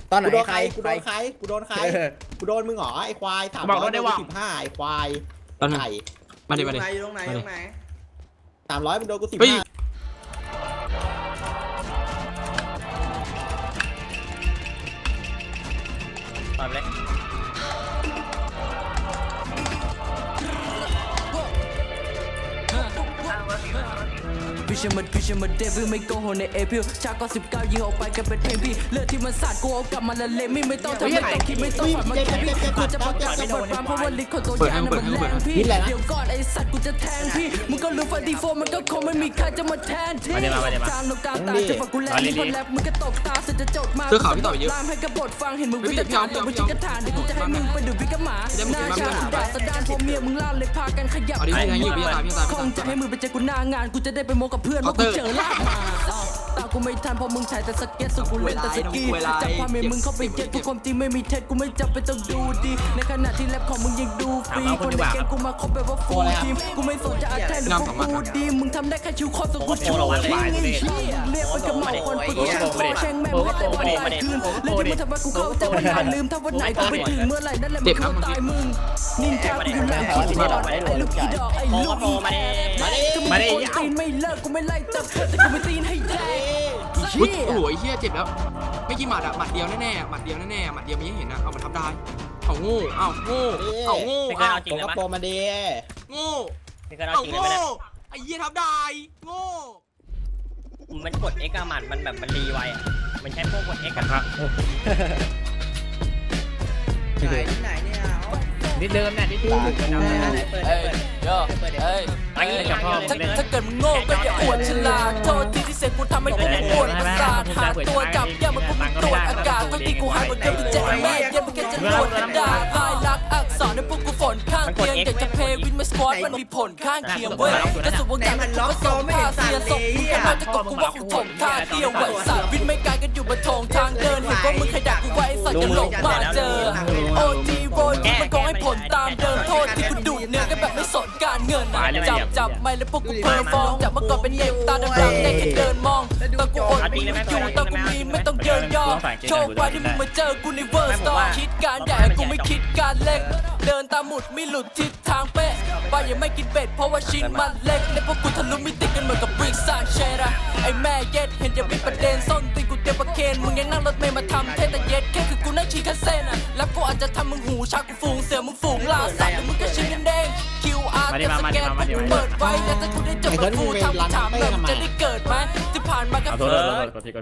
ตอนไหนใครกูโดนใครกูโดนใครกูโดนมึงเหรอไอ้ควาย30015ไอ้ควายไก่มาดิตรงไหนตรงไหน 300มึงโดนกู15 ตอนเลยพิชมาเดวิลไม่โกหกในเอพิลชาก็19ยิงออกไปกันเป็นเพลงพี่เลือดที่มันสาดกูเอากลับมาละเลไม่ต้องทำไม่ต้องคิดไม่ต้องฝันมันแค่พี่กูจะประกาศสะบัดความเพราะว่าลิขของตัวยานั้นมันแรงพี่เดี๋ยวก่อนไอ้สัตว์กูจะแทงพี่มึงก็รู้ฟันดีโฟมันก็คงไม่มีใครจะมาแทนที่จางลงกลางตาจะฟังกูแลนี่คนแรปมึงก็ตกตาสุดจะจดมาลามให้กระบดฟังเห็นมึงวิจารณ์ตัวมึงชิกระถานเดี๋ยวกูจะให้มึงไปดูพี่กระหมาหน้าชาด่าสะดานพอเมียมึงล่าเลยพากันขยับคงจะให้มึงไปเจอกูหน้างานกูจะได้ไปโมกับเพื่อนว่ากูเจอลาบมาตากูไม่ทันเพราะมึงถ่ายแต่สเก็ตสุกูเล่นแต่สกีจับความเมียมึงเข้าไปเย็ดกูความจริงไม่มีเท็จกูไม่จำเป็นต้องดูดีในขณะที่แรปของมึงยังดูฟรีคนในแกงกูมาคบแบบว่าฟูลทีมกูไม่สนจะอาแทนหรือว่ากูดีมึงทำได้แค่ชิวคอสกูชูทิ้งไอ้เหี้ยเรียกมันกับเมาคนปืนกูช่างโคแช่งแม่มึงแต่วันตายคืนเรื่องที่มึงทำให้กูเข้าใจวันนานลืมถ้าวันไหนกูไปถึงเมื่อไหร่นั่นแหละมึงเข้าตายมึงนินจากูอยู่หลังคิดตลอดไอ้ลูกอีดอกไอ้ลูกอีแมาดิตีนไม่เลิกกูไม่ไล่จับแต่กูไม่ตีนให้แดงโอ้โหเฮียเจ็บแล้วไม่กี่หมัดอะหมัดเดียวแน่ๆหมัดเดียวแน่ๆหมัดเดียวมีให้เห็นนะเอามาทับได้เอาโง่เอาโง่เอาโง่ไม่เคยเอาเอาจริงโปเลยกระโปปะมาดีโง่ไม่เคยเอาเอาจริงเลยโง่ปะเนี่ยไอ้เหี้ยทับได้โง่มันกด X อะมันแบบมันรีไวอะมันใช้พวกกด X กันครับไหนเนี่ยนิดเดิมเนี่ยนิดเดิมถ้าเกิดมึงโง่ก็อย่าอวดฉลาดโทษทีที่เสกกูทำให้พวกมึงปวดประสาทหาตัวจับย่ามันพวกมึงตรวจอากาศทั้งที่กูให้หมดเรื่องที่เจ็บแม่ยังไม่แค่จะรวดด่าพายรักอักษรในพวกกูฝนข้างเคียงอยากจะเพย์วินมาสควอตมันมีผลข้างเคียงเว้ยและสุดวงการมันล็อกโซ่ไม่เห็นเสียศพมึงแค่มาจะกบกูว่ากูถมท่าเดียวไหวสายวินไม่ไกลกันอยู่บนทงทางเดินเห็นว่ามึงขยักกูไว้สัตว์จะหลงมาเจอโอทีโวยมันก็ให้ผลตามเดิมโทษที่กูดูเนื้อกันแบบไม่สนการเงินจับไม่แล้วพวกกูเพอร์ฟอร์มจากเมื่อก่อนเป็นเนมตาดำๆได้แค่เดินมองตอนกูอดมึงอยู่ตอนกูมีไม่ต้องเยินยอโชคไว้ที่มึงมาเจอกูในเวอร์สตอร์คิดการใหญ่กูไม่คิดการเล็กเดินตามหมุดไม่หลุดทิศทางเป๊ะป้ายังไม่กินเบ็ดเพราะว่าชิ้นมันเล็กและพวกกูทะลุมิติกันเหมือนกับบริกซานเชดะไอ้แม่เย็ดเห็นจะมีประเด็นส้นตีนกูเตรียมประเคนมึงยังนั่งรถเมล์มาทำเทแต่เย็ดแค่คือกูนั่งชี้คันเส้นอ่ะแล้วกูอาจจะทำมึงหูชากูฝูงเสือมึงฝูงลาสัตว์แล้วมึงก็ชิ้นกันเด้ง QR กับสแกนพวกกูเปิดไว้แล้วถ้ากูได้จบกับกูถามแบบจะได้เกิดไหมที่ผ่านมาก็